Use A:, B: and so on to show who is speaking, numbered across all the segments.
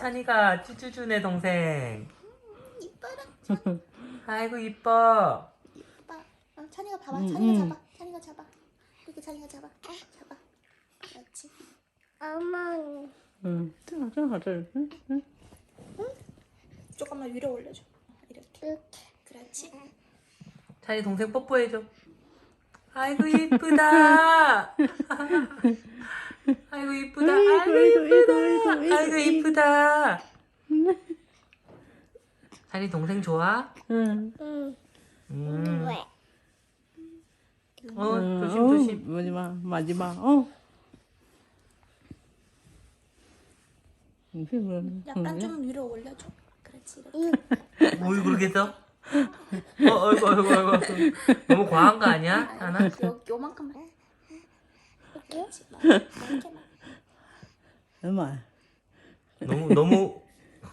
A: 찬이가 쭈쭈 주네 동생.
B: 이뻐라. 찬이.
A: 아이고 이뻐.
B: 이뻐. 찬이가 봐봐. 찬이가 잡아. 찬이가 잡아. 이렇게 찬이가 잡아. 잡아. 그렇지. 엄마.
C: 응, 正好这儿，
B: 조금만 위로 올려줘. 이렇게. 그렇지.
A: 찬이 동생 뽀뽀해줘. 아이고 이쁘다. 아이고 이쁘다. 아이고 이쁘다. 아이고 이쁘다. 찬이 동생 좋아?
C: 응.
A: 조심 조심.
C: 마지막, 마지막,
B: 약간 좀 위로 올려줘. 그렇지. 이렇게.
A: 뭘 그렇게 써? 어이구 어이구. 너무 과한 거 아니야? 하나?
B: 요만큼만. 그렇지. 이렇게만.
C: 엄마,
A: 너무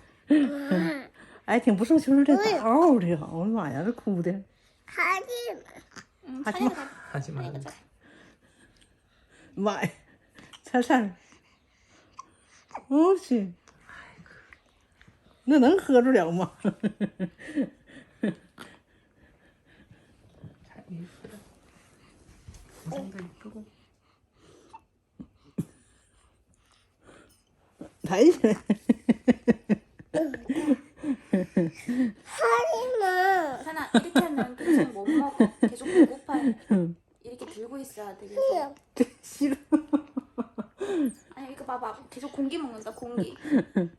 C: 哎，挺不受羞的，嗷的，我的妈呀，这哭的，
B: 찬이가 잡아.
A: 하지 마.
B: 찬이가 잡아.
C: 妈呀，灿灿，我去，那能喝住了吗？
A: 찬이 이쁘다. 동생도 이쁘고.
C: 抬起来，
B: 찬아 이렇게 하면 계속 못 먹어. 계속 배고파요. 이렇게 들고 있어야 돼. 계속.
C: 싫어.
B: 아니 이거 봐봐. 계속 공기 먹는다. 공기.